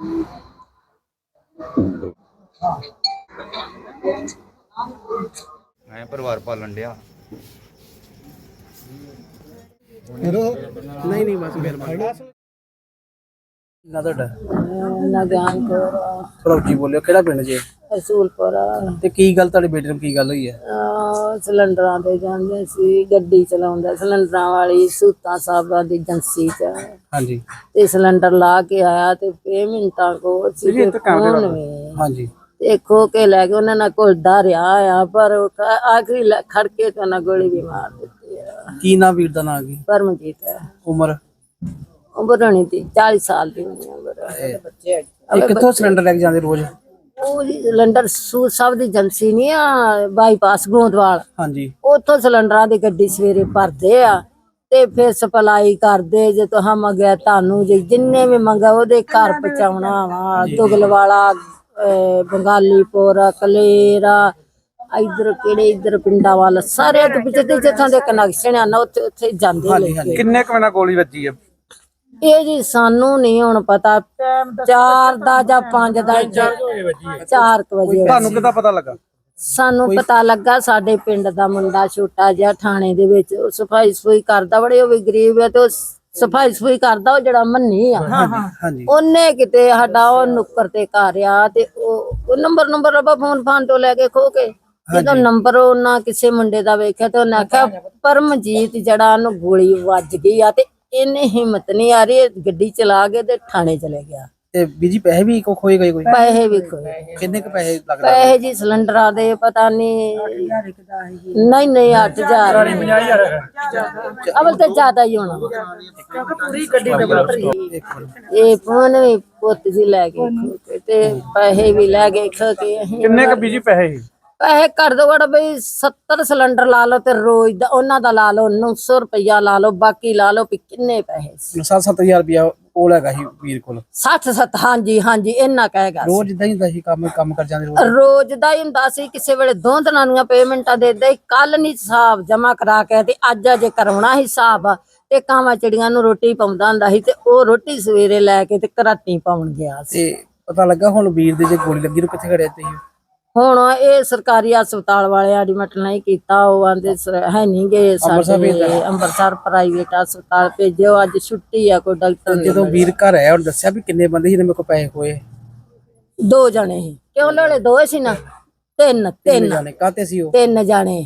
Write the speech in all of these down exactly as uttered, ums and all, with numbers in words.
मैं परिवार पालन दिया नहीं नहीं बस मेहरबानी ना ਤੁਹਾਡਾ ਨਾ ਗਿਆਨ ਕੋਰ ਥੋੜਾ ਉੱਚੀ ਬੋਲਿਓ ਕਿਹੜਾ ਪਿੰਡ ਜੇ ਰਸੂਲਪੁਰ ਤੇ ਕੀ ਗੱਲ ਤੁਹਾਡੇ ਬੇਟੇ ਨੂੰ ਕੀ ਗੱਲ ਹੋਈ ਹੈ ਅਹ ਸਿਲੰਡਰਾਂ ਤੇ ਜਾਂਦੇ ਸੀ, ਗੱਡੀ ਚਲਾਉਂਦਾ ਸਿਲੰਡਰਾਂ ਵਾਲੀ ਸੂਤਾਂ ਸਾਹਿਬਾਂ ਦੀ ਏਜੰਸੀ ਚ ਹਾਂਜੀ ਤੇ ਸਿਲੰਡਰ ਲਾ ਕੇ ਆਇਆ ਤੇ ਫੇ ਮਿੰਟਾਂ ਕੋਲ ਸੀ ਤੇ ਫੋਨ ਵੀ ਹਾਂਜੀ ਤੇ ਖੋ ਕੇ ਲੈ ਕੇ ਉਹਨਾਂ ਨਾਲ ਘੁਲਦਾ ਰਿਹਾ ਆ ਪਰ ਉਹ ਆਖਰੀ ਲੈ- ਖੜ ਕੇ ਤੇ ਉਹਨਾਂ ਗੋਲੀ ਵੀ ਮਾਰ ਦਿੱਤੀ ਆ। ਕੀ ਨਾਂ ਵੀਰ ਦਾ ਨਾਂ ਕੀ ਪਰਮਜੀਤ ਹੈ, ਉਮਰ ਉਮਰ ਹੋਣੀ ਸੀ ਚਾਲੀ ਸਾਲ ਦੀ ਹੋਣੀ ਉਮਰ। ਇਹ ਕਿੱਥੋਂ ਸਿਲੰਡਰ ਲੈ ਕੇ ਜਾਂਦੇ ਰੋਜ਼ ਉਹ ਜੀ ਸਿਲੰਡਰ ਸੂਤ ਸਾਹਿਬ ਦੀ ਏਜੰਸੀ ਨਹੀਂ ਆ ਬਾਈਪਾਸ ਗੋਂਦਵਾਲ, ਹਾਂਜੀ ਉੱਥੋਂ ਸਿਲੰਡਰਾਂ ਦੀ ਗੱਡੀ ਸਵੇਰੇ ਭਰਦੇ ਆ ਤੇ ਫਿਰ ਸਪਲਾਈ ਕਰਦੇ। ਜੇ ਤੁਹਾਂ ਮੰਗਿਆ ਤੁਹਾਨੂੰ ਜੇ ਜਿੰਨੇ ਵੀ ਮੰਗਾ ਉਹਦੇ ਘਰ ਪਹੁੰਚਾਉਣਾ ਵਾ। ਦੁਗਲਵਾਲਾ, ਬੰਗਾਲੀਪੁਰ, ਕਲੇਰਾ, ਇਧਰ ਕਿਹੜੇ ਇਧਰ ਪਿੰਡਾਂ ਵੱਲ ਸਾਰੇ ਤੇ ਪਿੱਛੇ ਤੇ ਜਿੱਥੋਂ ਦੇ ਕਨੈਕਸ਼ਨ ਆ ਨਾ ਉੱਥੇ ਉੱਥੇ ਜਾਂਦੇ ਲੈ। किन्ने क महीना गोली बची है ਇਹ ਜੀ ਸਾਨੂੰ ਨਹੀਂ ਹੁਣ ਪਤਾ, ਚਾਰ ਦਾ ਜਾਂ ਪੰਜ ਦਾ ਚਾਰ ਕੁ ਵਜੇ ਤੁਹਾਨੂੰ ਕਿੱਦਾਂ ਪਤਾ ਲੱਗਾ ਸਾਨੂੰ ਪਤਾ ਲੱਗਾ ਸਾਡੇ ਪਿੰਡ ਦਾ ਮੁੰਡਾ ਛੋਟਾ ਜਿਹਾ ਥਾਣੇ ਦੇ ਵਿੱਚ ਉਹ ਸਫਾਈ ਸਫੂਈ ਕਰਦਾ, ਬੜੇ ਉਹ ਵੀ ਗਰੀਬ ਹੈ ਤੇ ਉਹ ਸਫਾਈ ਸਫੂਈ ਕਰਦਾ ਉਹ ਜਿਹੜਾ ਮੰਨੀ ਆ ਹਾਂਜੀ ਉਹਨੇ ਕਿਤੇ ਸਾਡਾ ਉਹ ਨੁੱਕਰ ਤੇ ਘਰ ਆ ਤੇ ਉਹ ਨੰਬਰ ਨੰਬਰ ਰੱਬਾ ਫੋਨ ਫਾਨ ਤੋਂ ਲੈ ਕੇ ਖੋ ਕੇ ਜਦੋਂ ਨੰਬਰ ਉਹਨਾਂ ਕਿਸੇ ਮੁੰਡੇ ਦਾ ਵੇਖਿਆ ਤੇ ਉਹਨੇ ਆਖਿਆ ਪਰਮਜੀਤ ਜਿਹੜਾ ਉਹਨੂੰ ਗੋਲੀ ਵੱਜ ਗਈ ਆ ਤੇ ਇਹਨੇ ਹਿੰਮਤ ਨਹੀਂ ਆ ਰਹੀ ਗੱਡੀ ਚਲਾ ਕੇ ਤੇ ਥਾਣੇ ਚਲੇ ਗਿਆ। ਤੇ ਬੀਜੀ ਪੈਸੇ ਵੀ ਕੋ ਖੋਏ ਗਏ ਕੋਈ ਪੈਸੇ ਵੀ ਖੋਏ, ਕਿੰਨੇ ਕ ਪੈਸੇ ਲੱਗਦੇ ਪੈਸੇ ਜੀ ਸਿਲੰਡਰਾਂ ਦੇ ਪਤਾ ਨਹੀਂ ਨਹੀਂ ਨਹੀਂ ਅੱਠ ਹਜ਼ਾਰ ਅਵਲ ਤੇ ਜ਼ਿਆਦਾ ਹੀ ਹੋਣਾ ਪੂਰੀ ਗੱਡੀ ਇਹ ਫੋਨ ਵੀ ਪੁੱਤ ਜੀ ਲੈ ਗਏ ਖੋ ਕੇ ਤੇ ਪੈਸੇ ਵੀ ਲੈ ਗਏ ਖੋ ਕੇ। ਅਸੀਂ किन्ने क बीजी पैसे ਪੈਸੇ ਕਰ ਦੋ ਘੜ ਬਈ ਸੱਤਰ ਸਿਲੰਡਰ ਲਾ ਲਓ ਤੇ ਰੋਜ਼ ਦਾ ਉਹਨਾਂ ਦਾ ਲਾ ਲਓ ਨੌ ਸੌ ਰੁਪਇਆ ਲਾ ਲਓ, ਬਾਕੀ ਲਾ ਲਓ ਵੀ ਕਿੰਨੇ ਪੈਸੇ ਸੱਤ ਸੱਤ ਹਜ਼ਾਰ ਰੁਪਇਆ ਉਹ ਹੈਗਾ ਸੀ ਵੀਰ ਕੋਲ ਸੱਠ ਸੱਤ ਹਾਂਜੀ ਹਾਂਜੀ ਇੰਨਾ ਕਹੇਗਾ। ਰੋਜ਼ ਇਦਾਂ ਹੀ ਹੁੰਦਾ ਸੀ ਕੰਮ ਕੰਮ ਕਰ ਜਾਂਦੇ ਰੋਜ਼ ਰੋਜ਼ ਦਾ ਹੀ ਹੁੰਦਾ ਸੀ, ਕਿਸੇ ਵੇਲੇ ਦੋ ਦਿਨਾਂ ਦੀਆਂ ਪੇਮੈਂਟਾਂ ਦੇ ਦੇ। ਕੱਲ ਨਹੀਂ ਹਿਸਾਬ ਜਮਾ ਕਰਾ ਕੇ ਤੇ ਅੱਜ ਅਜੇ ਕਰਵਾਉਣਾ ਹਿਸਾਬ ਤੇ ਕਾਵਾਂ ਚਿੜੀਆਂ ਨੂੰ ਰੋਟੀ ਪਾਉਂਦਾ ਹੁੰਦਾ ਸੀ ਤੇ ਉਹ ਰੋਟੀ ਸਵੇਰੇ ਲੈ ਕੇ ਤੇ ਘਰਾਟੀ ਪਾਉਣ ਗਿਆ ਸੀ। ਤੇ ਪਤਾ ਲੱਗਾ ਹੁਣ ਵੀਰ ਦੇ ਜੇ ਗੋਲੀ ਲੱਗੀ ਨੂੰ ਕਿੱਥੇ ਖੜਿਆ ਤੁਸੀਂ ਹੁਣ ਇਹ ਸਰਕਾਰੀ ਹਸਪਤਾਲ ਵਾਲੇ ਐਡਮਿਟ ਨਹੀਂ ਕੀਤਾ, ਉਹ ਆਂਦੇ ਹੈ ਨਹੀਂ ਗਏ ਸਾਡੇ ਅੰਮ੍ਰਿਤਸਰ ਪ੍ਰਾਈਵੇਟ ਹਸਪਤਾਲ ਭੇਜਿਓ, ਅੱਜ ਛੁੱਟੀ ਆ ਕੋਈ ਡਾਕਟਰ ਜਦੋਂ ਵੀਰ ਘਰ ਆਇਆ ਉਹਨੇ ਦੱਸਿਆ ਵੀ ਕਿੰਨੇ ਬੰਦੇ ਸੀ ਮੇਰੇ ਕੋਲ ਪੈਸੇ ਹੋਏ ਦੋ ਜਣੇ ਸੀ ਕਿਉਂ ਨਾਲੇ ਦੋ ਸੀ ਨਾ ਤਿੰਨ ਤਿੰਨ ਜਾਣੇ ਕਾਤੇ ਸੀ ਉਹ ਤਿੰਨ ਜਾਣੇ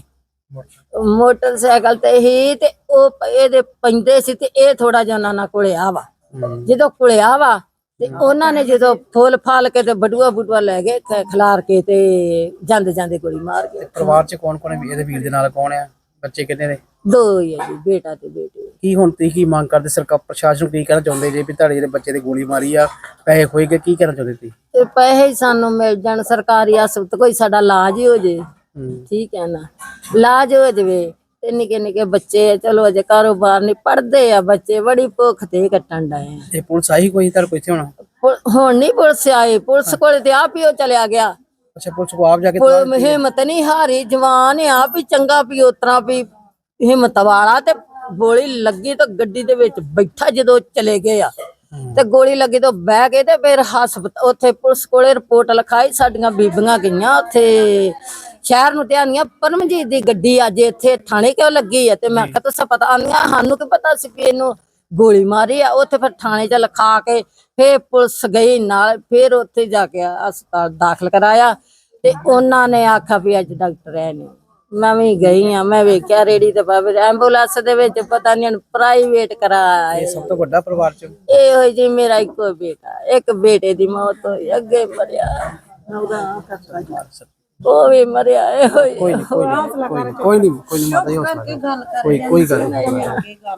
ਮੋਟਰਸਾਈਕਲ ਤੇ ਹੀ ਤੇ ਉਹ ਇਹਦੇ ਪੈਂਦੇ ਸੀ ਤੇ ਇਹ ਥੋੜਾ ਜਿਹਾ ਉਹਨਾਂ ਨਾਲ ਕੁਲਿਆ ਵਾ। ਜਦੋਂ ਕੁਲਿਆ ਵਾ ਤੇ ਉਹਨਾਂ ਨੇ ਜਦੋਂ ਫੁੱਲ ਫਾਲ ਕੇ ਤੇ ਬਟੂਆ ਬਟੂਆ ਲੈ ਗਏ ਖਿਲਾਰ ਕੇ ਤੇ ਜਾਂਦੇ ਜਾਂਦੇ ਗੋਲੀ ਮਾਰ ਗਏ। ਪਰਿਵਾਰ ਚ ਕੌਣ ਕੌਣ ਹੈ ਇਹਦੇ ਵੀਰ ਦੇ ਨਾਲ ਕੌਣ ਆ ਬੱਚੇ ਕਿੰਨੇ ਨੇ ਦੋ ਹੀ ਆ ਜੀ, ਬੇਟਾ ਤੇ ਬੇਟੀ। ਕੀ ਹੁਣ ਤੁਸੀਂ ਕੀ ਮੰਗ ਕਰਦੇ ਸਰਕਾਰ ਪ੍ਰਸ਼ਾਸਨ ਨੂੰ ਕੀ ਕਹਿਣਾ ਚਾਹੁੰਦੇ ਜੇ ਵੀ ਤੁਹਾਡੇ ਜਿਹੜੇ ਬੱਚੇ ਦੀ ਗੋਲੀ ਮਾਰੀ ਆ ਪੈਸੇ ਹੋਏ ਗਏ ਕੀ ਕਹਿਣਾ ਚਾਹੁੰਦੇ ਤੁਸੀਂ ਤੇ ਪੈਸੇ ਹੀ ਸਾਨੂੰ ਮਿਲ ਜਾਣ ਸਰਕਾਰੀ ਹਸਪਤਾਲ ਕੋਈ ਸਾਡਾ ਇਲਾਜ ਹੀ ਹੋ ਜੇ ਠੀਕ ਹੈ ਨਾ, ਇਲਾਜ ਹੋ ਜਵੇ ਤੇ ਨਿੱਕੇ ਨਿੱਕੇ ਬੱਚੇ ਚਲੋ ਅਜੇ ਕਾਰੋਬਾਰ ਨਹੀਂ ਪੜਦੇ ਆ ਬੱਚੇ ਬੜੀ ਭੁੱਖ ਤੇ ਕੱਟਣ ਡਏ ਤੇ ਪੁਲਿਸ ਆਈ ਕੋਈ ਤੁਹਾਡੇ ਕੋਲ ਇੱਥੇ ਹੋਣਾ ਹੁਣ ਨਹੀਂ ਪੁਲਿਸ ਆਏ, ਪੁਲਿਸ ਕੋਲ ਤੇ ਆਪ ਹੀ ਉਹ ਚਲਿਆ ਗਿਆ। ਅੱਛਾ ਪੁਲਿਸ ਕੋ ਆਪ ਜਾ ਕੇ ਹਿੰਮਤ ਨਹੀਂ ਹਾਰੀ, ਜਵਾਨ ਆ ਵੀ ਚੰਗਾ ਵੀ ਉਤਰਾ ਵੀ ਹਿੰਮਤ ਵਾਲਾ ਤੇ ਗੋਲੀ ਲੱਗੀ ਤਾਂ ਗੱਡੀ ਦੇ ਵਿੱਚ ਬੈਠਾ ਜਦੋਂ ਚਲੇ ਗਏ ਆ ਤੇ ਗੋਲੀ ਲੱਗੀ ਤਾਂ ਬਹਿ ਗਏ ਤੇ ਫਿਰ ਹਸਪਤਾਲ ਉੱਥੇ ਪੁਲਿਸ ਕੋਲੇ ਰਿਪੋਰਟ ਲਿਖਾਈ। ਸਾਡੀਆਂ ਬੀਬੀਆਂ ਗਈਆਂ ਉੱਥੇ ਸ਼ਹਿਰ ਨੂੰ ਤੇ ਆਂਦੀਆਂ ਪਰਮਜੀਤ ਦੀ ਗੱਡੀ ਅੱਜ ਇੱਥੇ ਥਾਣੇ ਕਿਉਂ ਲੱਗੀ ਆ ਤੇ ਮੈਂ ਕਿਹਾ ਤੁਸੀਂ ਪਤਾ ਆਂਦੀਆਂ ਸਾਨੂੰ ਕੀ ਪਤਾ ਸੀ ਕਿ ਇਹਨੂੰ ਗੋਲੀ ਮਾਰੀ ਆ। ਉੱਥੇ ਫਿਰ ਥਾਣੇ ਚ ਲਿਖਾ ਕੇ ਫੇਰ ਪੁਲਿਸ ਗਈ ਨਾਲ, ਫੇਰ ਉੱਥੇ ਜਾ ਕੇ ਹਸਪਤਾਲ ਦਾਖਲ ਕਰਾਇਆ ਤੇ ਉਹਨਾਂ ਨੇ ਆਖਿਆ ਵੀ ਅੱਜ ਡਾਕਟਰ ਹੈ ਨਹੀਂ। ਮੈਂ ਵੀ ਗਈ ਆ, ਮੈਂ ਵੇਖਿਆ ਰੇੜੀ ਤੇ ਬਾਬੇ ਐਂਬੂਲੈਂਸ ਦੇ ਵਿੱਚ ਪਤਾ ਨਹੀਂ ਪ੍ਰਾਈਵੇਟ ਕਰਾਇਆ। ਇਹ ਸਭ ਤੋਂ ਵੱਡਾ ਪਰਿਵਾਰ ਚ ਇਹ ਹੋਈ ਜੀ ਮੇਰਾ ਇੱਕੋ ਬੇਟਾ, ਇੱਕ ਬੇਟੇ ਦੀ ਮੌਤ ਹੋਈ ਅੱਗੇ ਮਰਿਆ, ਉਹ ਵੀ ਮਰਿਆ। ਇਹ ਹੋਈ ਕੋਈ ਨਹੀਂ ਕੋਈ ਨਹੀਂ ਕੋਈ ਨਹੀਂ ਕੋਈ ਨਹੀਂ ਮਾਤਾ ਜੀ ਹੌਸਲਾ ਕੋਈ ਕੋਈ ਗੱਲ ਨਹੀਂ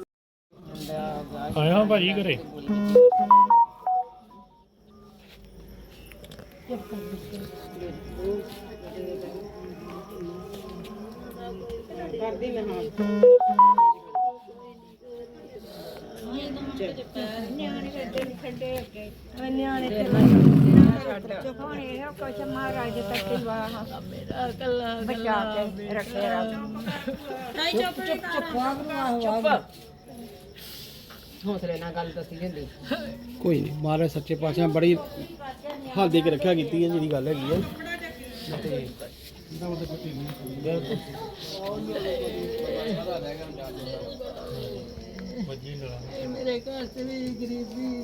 ਆਇਆ ਭਾਜੀ ਘਰੇ ਕਰਦੀ ਮੈਂ ਹਾਂ ਨਿਆਣੇ ਦੇ ਖੱਡੇ ਅੱਗੇ ਨਿਆਣੇ ਤੇ ਚੁੱਪ ਹੋਣੇ ਇਹ ਕੁਛ ਮਹਾਰਾਜ ਤੱਕ ਵਾਹ ਮੇਰਾ ਕੱਲਾ ਬਚਾ ਕੇ ਰੱਖੇ ਰੱਖ ਨਹੀਂ ਚੁੱਪ ਚੁੱਪ ਚੁੱਪ ਹੌਸਲੇ ਨਾਲ ਗੱਲ ਦੱਸੀ ਹੁੰਦੀ। ਕੋਈ ਨਹੀਂ, ਮਹਾਰਾਜ ਸੱਚੇ ਪਾਤਸ਼ਾਹ ਬੜੀ ਹਾਲ ਦੇ ਕੇ ਰੱਖਿਆ ਕੀਤੀ ਹੈ ਜਿਹੜੀ ਗੱਲ ਹੈਗੀ ਹੈ ਤੇ ਮੇਰੇ ਘਰ ਤੇ ਵੀ ਗਰੀਬੀ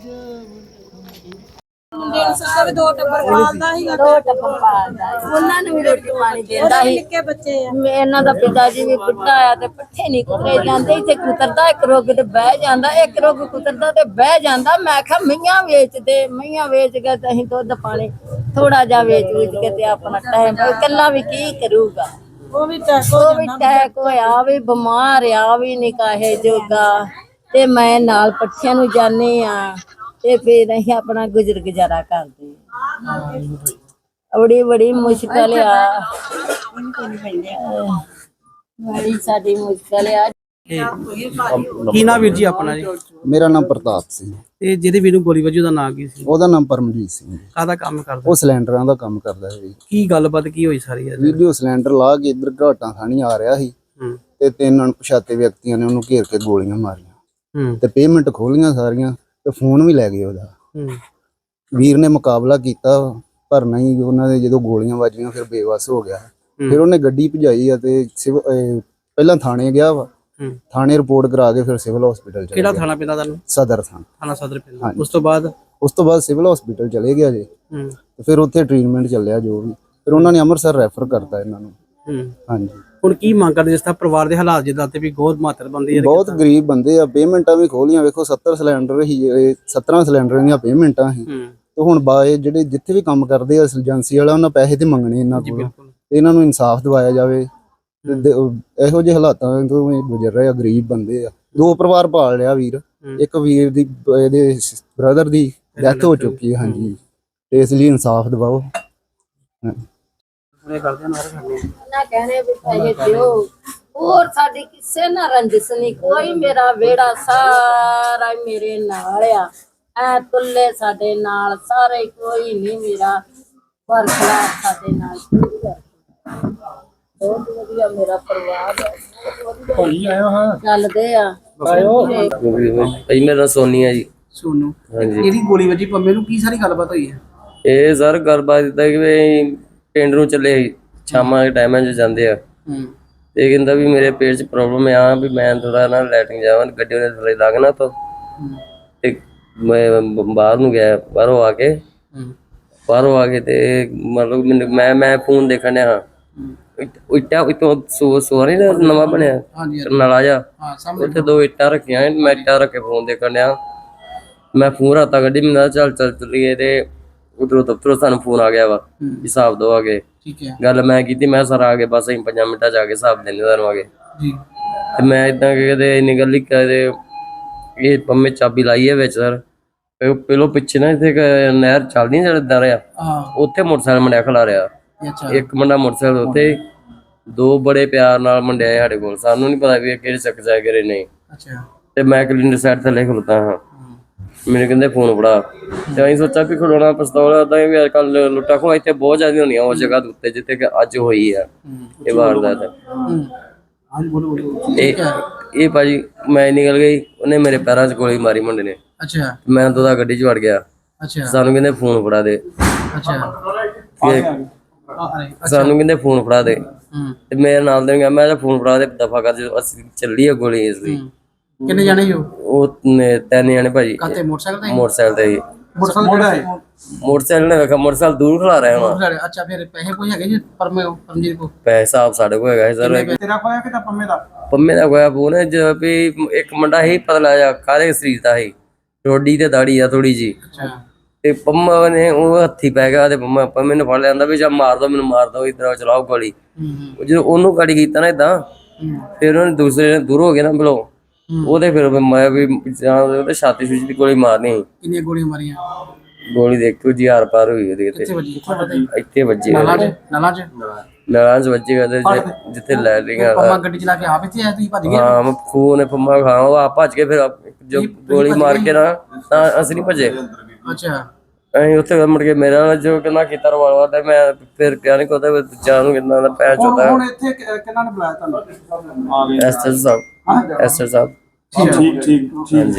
ਦੋ ਟੱਬਰ ਪਾਲਦਾ ਉਹਨਾਂ ਨੂੰ ਵੀ ਰੋਟੀ ਪਾਣੀ ਦਿੰਦਾ ਸੀ। ਨਿੱਕੇ ਬੱਚੇ ਆ ਮੈਂ ਇਹਨਾਂ ਦਾ ਪਿਤਾ ਜੀ ਵੀ ਬੁੱਢਾ ਆ ਤੇ ਪੱਠੇ ਨਹੀਂ ਕੁਤਰੇ ਜਾਂਦੇ, ਇੱਥੇ ਕੁਤਰਦਾ ਇੱਕ ਰੁੱਗ ਤੇ ਬਹਿ ਜਾਂਦਾ, ਇੱਕ ਰੁੱਗ ਕੁਤਰਦਾ ਤੇ ਬਹਿ ਜਾਂਦਾ। ਮੈਂ ਕਿਹਾ ਮਈਆਂ ਵੇਚਦੇ, ਮਈਆਂ ਵੇਚ ਕੇ ਤੇ ਅਸੀਂ ਦੁੱਧ ਪਾਣੀ ਥੋੜਾ ਜਿਹਾ ਵੇਚ ਵੇਚ ਕੇ ਤੇ ਆਪਣਾ ਟਾਈਮ ਇਕੱਲਾ ਵੀ ਕੀ ਕਰੂਗਾ। ਉਹ ਵੀ ਟੈਕ ਉਹ ਵੀ ਟੈਕ ਹੋਇਆ, ਵੀ ਬਿਮਾਰ ਆ, ਵੀ ਨਹੀਂ ਕਾਹੇ ਜੋਗਾ ਤੇ ਮੈਂ ਨਾਲ ਪੱਠਿਆਂ ਨੂੰ ਜਾਂਦੀ ਆ ਤੇ ਫਿਰ ਅਸੀਂ ਆਪਣਾ ਗੁਜ਼ਰ ਗੁਜ਼ਾਰਾ ਕਰਦੇ ਆ। ਬੜੀ ਬੜੀ ਮੁਸ਼ਕਲ ਆ, ਬੜੀ ਸਾਡੀ ਮੁਸ਼ਕਲ ਆ। ਕੀ ਨਾਮ ਵੀਰ ਜੀ ਆਪਣਾ ਜੀ? ਮੇਰਾ ਨਾਮ ਪ੍ਰਤਾਪ ਸਿੰਘ। ਤੇ ਜਿਹਦੇ ਵੀਰ ਨੂੰ ਗੋਲੀ ਵੱਜੀ ਉਹਦਾ ਨਾਂ ਕੀ ਸੀ? ਉਹਦਾ ਨਾਮ ਪਰਮਜੀਤ ਸਿੰਘ ਜੀ। ਕਾਹਦਾ ਕੰਮ ਕਰਦਾ? ਉਹ ਸਿਲੰਡਰਾਂ ਦਾ ਕੰਮ ਕਰਦਾ ਹੈ ਜੀ। ਕੀ ਗੱਲਬਾਤ ਕੀ ਹੋਈ ਸਾਰੀ ਇਹਦੇ? ਵੀਡੀਓ ਸਿਲੰਡਰ ਲਾ ਕੇ ਇੱਧਰ ਘਾਟਾਂ ਥਾਣੀ ਆ ਰਿਹਾ ਸੀ ਹੂੰ ਤੇ ਤਿੰਨ ਅਣਪਛਾਤੇ ਵਿਅਕਤੀਆਂ ਨੇ ਉਹਨੂੰ ਘੇਰ ਕੇ ਗੋਲੀਆਂ ਮਾਰੀਆਂ ਹੂੰ ਤੇ ਪੇਮੈਂਟ ਖੋਲੀਆਂ ਸਾਰੀਆਂ ਤੇ ਫੋਨ ਵੀ ਲੈ ਗਏ ਉਹਦਾ। ਹੂੰ ਵੀਰ ਨੇ ਮੁਕਾਬਲਾ ਕੀਤਾ ਪਰ ਨਹੀਂ, ਉਹਨਾਂ ਦੇ ਜਦੋਂ ਗੋਲੀਆਂ ਵੱਜੀਆਂ ਫਿਰ ਬੇਵੱਸ ਹੋ ਗਿਆ। ਫਿਰ ਉਹਨੇ ਗੱਡੀ ਭਜਾਈ ਆ ਤੇ ਸਿਵ- ਅਹ ਪਹਿਲਾਂ ਥਾਣੇ ਗਿਆ ਵਾ, ਹੂੰ ਥਾਣੇ ਰਿਪੋਰਟ ਕਰਾ ਕੇ ਫਿਰ ਸਿਵਲ ਹਸਪੀਟਲ ਚਲੇ ਕਿਹੜਾ ਗਿਆ। ਥਾਣਾ ਪੈਂਦਾ ਤੁਹਾਨੂੰ? ਸਦਰ ਥਾਣਾ। ਥਾਣਾ ਸਦਰ ਪੈਂਦਾ। ਹਾਂਜੀ। ਉਸ ਤੋਂ ਬਾਅਦ ਉਸ ਤੋਂ ਬਾਅਦ ਸਿਵਲ ਹਸਪੀਟਲ ਚਲੇ ਗਿਆ ਜੀ ਹੂੰ ਤੇ ਫਿਰ ਉੱਥੇ ਟ੍ਰੀਟਮੈਂਟ ਚੱਲਿਆ ਜੋ ਵੀ, ਫਿਰ ਉਹਨਾਂ ਨੇ ਅੰਮ੍ਰਿਤਸਰ ਰੈਫਰ ਕਰਤਾ ਇਹਨਾਂ ਨੂੰ। ਹੂੰ ਹਾਂਜੀ, ਹੁਣ ਕੀ ਮੰਗ ਕਰਦੇ? ਜਿਸ ਤਰ੍ਹਾਂ ਪਰਿਵਾਰ ਦੇ ਹਾਲਾਤ ਜਿੱਦਾਂ ਤੇ ਵੀ ਬਹੁਤ ਮਾਤਰ ਬੰਦੀ ਹੈ। ਬਹੁਤ ਗਰੀਬ ਬੰਦੇ ਆ, ਪੇਮੈਂਟਾਂ ਵੀ ਖੋਲੀਆਂ ਵੇਖੋ, ਸੱਤਰ ਸਿਲੰਡਰ ਹੀ ਇਹ ਸੱਤਰਾਂ ਸਿਲੰਡਰ ਦੀਆਂ ਪੇਮੈਂਟਾਂ ਸੀ ਹੂੰ ਤੇ ਹੁਣ ਬਾਏ ਜਿਹੜੇ ਜਿੱਥੇ ਵੀ ਕੰਮ ਕਰਦੇ ਆ ਏਜੰਸੀ ਵਾਲਾ, ਉਹਨਾਂ ਪੈਸੇ ਤੇ ਮੰਗਣੇ ਇਹਨਾਂ ਜੀ ਕੋਲ, ਬਿਲਕੁਲ। ਤੇ ਇਹਨਾਂ ਨੂੰ ਇਨਸਾਫ ਦਿਵਾਇਆ ਜਾਵੇ। ਤੇ ਦੇ- ਉਹ ਇਹੋ ਜਿਹੇ ਹਾਲਾਤਾਂ ਤੋਂ ਇਹ ਗੁਜ਼ਰ ਰਹੇ ਆ, ਗਰੀਬ ਬੰਦੇ ਆ। ਦੋ ਪਰਿਵਾਰ ਪਾਲ ਲਿਆ ਵੀਰ, ਇੱਕ ਵੀਰ ਦੀ ਇਹਦੇ ਬ੍ਰਦਰ ਦੀ ਡੈਥ ਹੋ ਚੁੱਕੀ ਹੈ। ਹਾਂਜੀ, ਤੇ ਇਸ ਲਈ ਇਨਸਾਫ ਦਿਵਾਓ। ਪੂਰੇ ਕਰਦੇ ਨਾ ਕਰਦੇ ਨਾ ਕਹਿਣੇ ਵੀ ਪੈਸੇ ਦਿਓ, ਹੋਰ ਸਾਡੀ ਕਿਸੇ ਨਾਲ ਰੰਜਿਸ਼ ਨਹੀਂ, ਕੋਈ ਮੇਰਾ ਵਿਹੜਾ ਸਾਰਾ ਹੀ ਮੇਰੇ ਨਾਲ ਆ, ਐ ਤੁੱਲੇ ਸਾਡੇ ਨਾਲ ਸਾਰੇ, ਕੋਈ ਨਹੀਂ ਮੇਰਾ ਬਰਖਲਾਫ ਸਾਡੇ ਨਾਲ। ਬਹੁਤ ਵਧੀਆ ਮੇਰਾ ਪਰਿਵਾਰ ਹੈ, ਚੱਲਦੇ ਆ। ਭਾਈ ਮੇਰਾ ਨਾਂ ਸੋਨੀ ਆ ਜੀ। ਸੋਨੂ, ਹਾਂਜੀ। ਇਹਦੀ ਗੋਲੀ ਵੱਜੀ ਪੰਮੇ ਨੂੰ, ਕੀ ਸਾਰੀ ਗੱਲਬਾਤ ਹੋਈ ਹੈ? ਇਹ ਸਰ ਗੱਲਬਾਤ ਇਦਾਂ ਕਿ ਵੀ ਪਿੰਡ ਨੂੰ ਚੱਲੇ ਸੀ, ਸ਼ਾਮਾਂ ਦੇ ਟਾਈਮਾਂ 'ਚ ਜਾਂਦੇ ਆ ਹੂੰ ਤੇ ਕਹਿੰਦਾ ਵੀ ਮੇਰੇ ਪੇਟ 'ਚ ਪ੍ਰੋਬਲਮ ਆ, ਵੀ ਮੈਂ ਥੋੜਾ ਨਾ ਲੈਟਰਿੰਗ ਜਾਵਾਂ, ਗੱਡੀ ਉਹਨੇ ਥੱਲੇ ਲੱਗਣਾ ਤਾਂ ਤੇ ਮੈਂ ਬ- ਬਾਹਰ ਨੂੰ ਗਿਆ। ਬਾਹਰੋਂ ਆ ਕੇ ਹੂੰ ਬਾਹਰੋਂ ਆ ਕੇ ਤੇ ਮਤਲਬ ਮੈਨੂੰ ਮੈਂ ਮੈਂ ਫੋਨ ਦੇਖਣ ਡਿਆ ਹਾਂ। ਇ- ਇੱਟਾਂ ਇਤੋਂ ਸੋ ਸੋਰੀ ਦਾ ਨਵਾਂ ਬਣਿਆ ਹਾਂਜੀ ਨਾਲਾ ਜਾ, ਹਾਂ ਸਾਹਮਣੇ। ਉੱਥੇ ਦੋ ਇੱਟਾਂ ਰੱਖੀਆਂ, ਮੈਂ ਇੱਟਾਂ ਰੱਖ ਕੇ ਫੋਨ ਦੇਖਣ ਡਿਆ। ਮੈਂ ਫੋਨ ਰਾਤਾ ਗੱਡੀ, ਮੈਂ ਕਿਹਾ ਚੱਲ ਚੱਲ ਚੱਲੀਏ ਤੇ ਉਧਰੋਂ ਦਫ਼ਤਰੋਂ ਸਾਨੂੰ ਫੋਨ ਆ ਗਿਆ ਵਾ, ਹਿਸਾਬ ਦੋ ਆ ਗਏ। ਠੀਕ ਹੈ ਗੱਲ ਮੈਂ ਕੀਤੀ, ਮੈਂ ਸਰ ਆ ਗਏ ਬਸ ਅਸੀਂ ਪੰਜਾਂ ਮਿੰਟਾਂ ਚ ਆ ਕੇ ਹਿਸਾਬ ਦਿੰਦੇ ਤੁਹਾਨੂੰ ਆ ਗਏ। ਜੀ। ਤੇ ਮੈਂ ਇਦਾਂ ਕਹਿੰਦੇ ਇੰਨੀ ਗੱਲ ਹੀ ਕਹਦੇ ਇਹ ਪੰਮੇ ਚਾਬੀ ਲਾਈ ਹੈ ਵਿੱਚ ਸਰ। ਪਹਿ- ਪਹਿਲੋਂ ਪਿੱਛੇ ਨਾ ਇੱਥੇ ਇੱਕ ਨਹਿਰ ਚੱਲਦੀ ਨਾ ਜਿਹੜਾ ਦਰ ਆ, ਹਾਂ ਉੱਥੇ ਮੋਟਰਸਾਈਕਲ ਮੁੰਡਿਆ ਖਲਾ ਰਿਹਾ। ਅੱਛਾ ਇੱਕ ਮੁੰਡਾ ਮੋਟਰਸਾਈਕਲ ਉੱਥੇ, ਦੋ ਬੜੇ ਪਿਆਰ ਨਾਲ ਮੁੰਡੇ ਆਏ ਸਾਡੇ ਕੋਲ, ਸਾਨੂੰ ਨਹੀਂ ਪਤਾ ਵੀ ਇਹ ਕਿਹੜੇ ਚੱਕ ਜਾ ਕਿਹੜੇ ਨਹੀਂ। ਅੱਛਾ ਤੇ ਮੈਂ ਕਲਿੰਡਰ ਸਾਈਡ ਥੱਲੇ ਖਲੋਤਾ ਹਾਂ, ਮੈਨੂੰ ਕਹਿੰਦੇ ਫੋਨ ਫੜਾ। ਤੇ ਅਸੀਂ ਸੋਚਿਆ ਵੀ ਖਲੋਣਾ ਪਿਸਤੌਲ ਏਦਾਂ ਵੀ ਅੱਜ ਕੱਲ ਲੁੱਟਾਂ ਖੋਹਾਂ ਇੱਥੇ ਬਹੁਤ ਜ਼ਿਆਦਾ ਹੁੰਦੀਆਂ ਉਸ ਜਗ੍ਹਾ ਦੇ ਉੱਤੇ ਜਿੱਥੇ ਕਿ ਅੱਜ ਹੋਈ ਆ ਇਹ ਵਾਰਦਾਤ। ਹੂੰ ਹਾਂ ਬੋਲੋ ਬੋਲੋ। ਇਹ ਇਹ ਭਾਜੀ ਮੈਂ ਨਿਕਲ ਗਈ, ਉਹਨੇ ਮੇਰੇ ਪੈਰਾਂ 'ਚ ਗੋਲੀ ਮਾਰੀ ਮੁੰਡੇ ਨੇ। ਅੱਛਾ ਮੈਂ ਤਾਂ ਉਹਦਾ ਗੱਡੀ 'ਚ ਵੜ ਗਿਆ। ਅੱਛਾ ਸਾਨੂੰ ਕਹਿੰਦੇ ਫੋਨ ਫੜਾ ਦੇ, ਅੱਛਾ ਫਿਰ ਆ ਅਰੇ ਸਾਨੂੰ ਕਹਿੰਦੇ ਫੋਨ ਫੜਾ ਦੇ। ਹੂੰ ਤੇ ਮੇਰੇ ਨਾਲ ਦੇ ਗਿਆ, ਮੈਂ ਕਿਹਾ ਫੋਨ ਫੜਾ ਦੇ ਦਫਾ ਕਰ, ਜਦੋਂ ਅਸੀਂ ਚੱਲੀ ਆ ਗੋਲੀ ਇਸ ਦੀ। ਕਿੰਨੇ ਜਾਣੇ ਹੋ? ਉਹ ਨੇ ਤਿੰਨ ਜਾਣੇ ਭਾਜੀ ਕਾਤੇ ਮੋਟਰਸਾਈਕਲ ਤੇ? ਮੋਟਰਸਾਈਕਲ ਤੇ ਹੀ। ਮੋਟਰਸਾਈਕਲ ਮੋਟਰਸਾਈਕਲ ਨੇ ਵੇਖਿਆ ਮੋਟਰਸਾਈਕਲ ਦੂਰ ਖਲਾ ਰਿਹਾ ਹੋਣਾ। ਅੱਛਾ ਫਿਰ ਪੈਸੇ ਕੋਈ ਹੈਗੇ ਜੀ ਪਰਮੇ ਪਰਮਜੀਤ ਕੋ? ਪੈਸਾ ਸਾਡੇ ਕੋਲ ਹੈਗਾ ਸੀ ਸਰ। ਤੇਰਾ ਕੋਇਆ ਕਿ ਤਾਂ ਪੰਮੇ ਦਾ? ਪੰਮੇ ਦਾ ਹੋਇਆ ਫੋਨ ਹੈ ਜੋ ਵੀ ਇੱਕ ਮੁੰਡਾ ਹੀ ਪਤਲਾ ਜਿਹਾ ਕਾਲੇ ਸਰੀਰ ਦਾ ਸੀ, ਰੋਡੀ ਤੇ ਦਾੜੀ ਆ ਥੋੜੀ ਜੀ। ਅੱਛਾ ਤੇ ਪੰਮਾ ਨੇ ਉਹ ਹੱਥੀ ਪੈ ਗਿਆ ਤੇ ਪੰਮਾ ਪੰਮੇ ਨੇ ਫੜ ਲਿਆਂਦਾ ਵੀ ਜਾਂ ਮਾਰ ਦੋ ਮੈਨੂੰ, ਮਾਰ ਦੋ, ਇਧਰ ਚਲਾਓ ਗੋਲੀ। ਹੂੰ ਜਦੋਂ ਉਹਨੂੰ ਗਾੜੀ ਕੀਤਾ ਨਾ ਏਦਾਂ, ਹੂੰ ਫਿਰ ਉਹਨੇ ਦੂਸਰੇ ਨੇ ਦੂਰ ਹੋ ਗਿਆ ਨਾ ਬਲੋ, ਉਹਦੇ ਫਿਰ ਮੈਂ ਵੀ ਜਾਂ ਉਹਦੇ ਛਾਤੀ ਛੂਤੀ ਦੀ ਗੋਲੀ ਮਾਰਨੀ ਸੀ। ਕਿੰਨੀਆਂ ਗੋਲੀਆਂ ਮਾਰੀਆਂ? ਗੋਲੀ ਦੇਖੋ ਜੀ ਹਾਰ ਪਾਰ ਹੋਈ ਉਹਦੇ ਕਿੱਥੇ ਤੇ, ਵੱਜੀ? ਕਿੱਥੇ ਵੱਜੀ? ਇੱਥੇ ਵੱਜੀ ਨਾਲਾ ਚ? ਨਾਲਾ ਚ? ਨਾਲਾਂ ਚ ਵੱਜੀ ਉਹਦੇ ਜਿ- ਜਿੱਥੇ ਲੈ ਲਈਆਂ। ਪੰਮਾ ਗੱਡੀ ਚਲਾ ਕੇ ਆਪ ਇੱਥੇ ਆਇਆ, ਤੁਸੀਂ ਭੱਜ ਗਏ? ਹਾਂ ਮੈਂ ਫੋਨ ਨੇ ਪੰਮਾ ਖਾ ਉਹ ਆਪ ਭੱਜ ਕੇ ਫਿਰ ਆਪ- ਜੋ ਗੋਲੀ ਮਾਰ ਕੇ ਨਾ ਤਾਂ ਅਸੀਂ ਨਹੀਂ ਭੱਜੇ। ਅੱਛਾ ਅਸੀਂ ਉੱਥੇ ਮੁੜ ਕੇ ਮੇਰਾ ਜੋ ਕਹਿੰਦਾ ਕੀਤਾ ਰਵਾਲਾ ਤੇ ਮੈਂ ਫਿਰ ਕਿਹਾ ਨਹੀਂ ਕੋਦਾ ਦੂਜਾ ਨੂੰ ਕਿੰਨਾ ਦਾ ਪੈ ਚੋਦਾ। ਹੁਣ ਇੱਥੇ ਕਿਹਨਾਂ ਨੇ ਬੁਲਾਇਆ ਤੁਹਾਨੂੰ? ਐਸਟਰ ਸਾਹਿਬ ਐਸਟਰ ਸਾਹਿਬ ਠੀਕ ਠੀਕ ਠੀਕ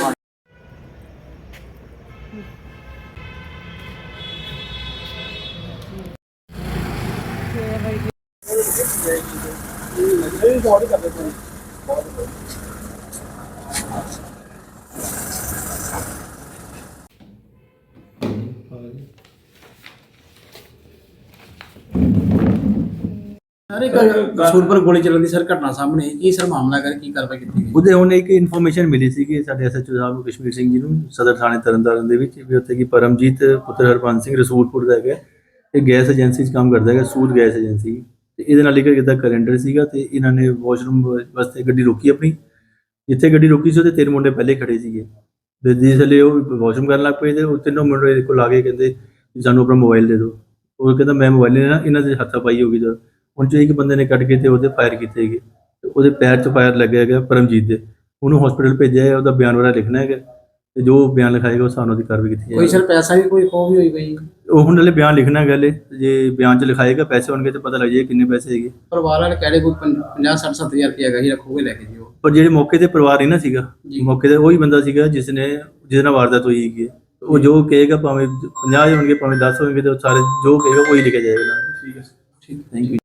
ਅਰੇ ਕਸੂਰ ਪਰ ਗੋਲੀ ਚੱਲਣ ਦੀ ਸਰ ਘਟਨਾ ਸਾਹਮਣੇ ਆਈ। ਕੀ ਸਰ ਮਾਮਲਾ ਕਰ ਕੀ ਕਾਰਵਾਈ ਕੀਤੀ ਗਈ? ਉਹਦੇ ਹੁਣ ਇੱਕ ਇਨਫੋਰਮੇਸ਼ਨ ਮਿਲੀ ਸੀ ਕਿ ਸਾਡੇ ਐਸਐਚਓ ਸਾਹਿਬ ਨੂੰ ਕਸ਼ਮੀਰ ਸਿੰਘ ਜੀ ਨੂੰ ਸਦਰ ਥਾਣੇ ਤਰਨਤਾਰਨ ਦੇ ਵਿੱਚ ਵੀ ਉੱਥੇ ਕੀ ਪਰਮਜੀਤ ਪੁੱਤਰ ਹਰਪੰਨ ਸਿੰਘ ਰਸੂਲਪੁਰ ਦਾ ਹੈਗਾ, ਇਹ ਗੈਸ ਏਜੰਸੀ 'ਚ ਕੰਮ ਕਰਦਾ ਹੈਗਾ, ਸੂਦ ਗੈਸ ਏਜੰਸੀ। ਤੇ ਇਹਦੇ ਨਾਲ ਇੱਕ ਇਹਦਾ ਕੈਲੰਡਰ ਸੀਗਾ ਤੇ ਇਹਨਾਂ ਨੇ ਵਾਸ਼ਰੂਮ ਵਾਸਤੇ ਗੱਡੀ ਰੋਕੀ ਆਪਣੀ। ਜਿੱਥੇ ਗੱਡੀ ਰੋਕੀ ਸੀ ਉਹਦੇ ਤਿੰਨ ਮੁੰਡੇ ਪਹਿਲੇ ਖੜੇ ਸੀਗੇ ਤੇ ਜਿਸ ਵੇਲੇ ਉਹ ਵਾਸ਼ਰੂਮ ਕਰਨ ਲੱਗ ਪਏ ਤੇ ਉਹ ਤਿੰਨੋਂ ਮੁੰਡੇ ਇਹਦੇ ਕੋਲ ਆ ਕੇ ਕਹਿੰਦੇ ਵੀ ਸਾਨੂੰ ਆਪਣਾ ਮੋਬਾਈਲ ਦੇ ਦਿਓ। ਉਹ ਕਹਿੰਦਾ ਮੈਂ ਮੋਬਾਈਲ ਨਹੀਂ ਲੈਣਾ, ਇਹਨਾਂ ਦੇ ਹੱਥਾਪਾਈ ਹੋ ਗਈ। ਜਦ ਹੁਣ 'ਚੋਂ ਇੱਕ ਬੰਦੇ ਨੇ ਕੱਢ ਕੇ ਤੇ ਉਹਦੇ ਫਾਇਰ ਕੀਤੇ ਹੈਗੇ ਤੇ ਉਹਦੇ ਪੈਰ 'ਚ ਫਾਇਰ ਲੱਗਿਆ ਹੈਗਾ ਪਰਮਜੀਤ ਦੇ। ਉਹਨੂੰ ਹਸਪੀਟਲ ਭੇਜਿਆ ਹੈ, ਉਹਦਾ ਬਿਆਨ ਵਗੈਰਾ ਲਿਖਣਾ ਹੈਗਾ ਤੇ ਜੋ ਬਿਆਨ ਲਿਖਾਏਗਾ ਉਹ ਸਾਨੂੰ ਦੀ ਕਾਰਵਾਈ ਕੀਤੀ ਕੋਈ ਜਾਏਗੀ। ਸਰ ਪੈਸਾ ਵੀ ਕੋਈ ਖੋ ਵੀ ਹੋਈ ਪਈ? ਉਹ ਹੁਣ ਨਾਲੇ ਬਿਆਨ ਲਿਖਣਾ ਹੈਗਾ ਹਲੇ, ਜੇ ਬਿਆਨ 'ਚ ਲਿਖਾਏਗਾ ਪੈਸੇ ਹੋਣਗੇ ਤੇ ਪਤਾ ਲੱਗ ਜਾਏਗਾ ਕਿੰਨੇ ਪੈਸੇ ਹੈਗੇ। ਪਰਿਵਾਰ ਵਾਲੇ ਕਹਿ ਰਹੇ ਕੋਈ ਪੰਜਾਹ ਸੱਠ ਸੱਤਰ ਹਜ਼ਾਰ ਰੁਪਇਆ ਹੈਗਾ ਹੀ ਰੱਖੋਗੇ ਲੈ ਕੇ ਜੀ ਉਹ। ਪਰ ਜਿਹੜੇ ਮੌਕੇ ਤੇ ਪਰਿਵਾਰ ਨਹੀਂ ਨਾ ਸੀਗਾ, ਜੀ। ਮੌਕੇ ਤੇ ਉਹੀ ਬੰਦਾ ਸੀਗਾ ਜਿਸ ਨੇ ਜਿਹਦੇ ਨਾਲ ਵਾਰਦਾਤ ਹੋਈ ਹੈਗੀ। ਉਹ ਜੋ ਕਹੇਗਾ ਭਾਵੇਂ ਪੰਜਾਹ ਹੋਣਗੇ ਭਾਵੇਂ ਦਸ ਹੋਣਗੇ ਤੇ ਉਹ ਸਾਰੇ ਜੋ ਕਹੇਗਾ ਉਹੀ ਲਿਖਿਆ ਜਾਏਗਾ। ਠੀਕ ਹੈ, ਠੀਕ, ਥੈਂਕ ਯੂ।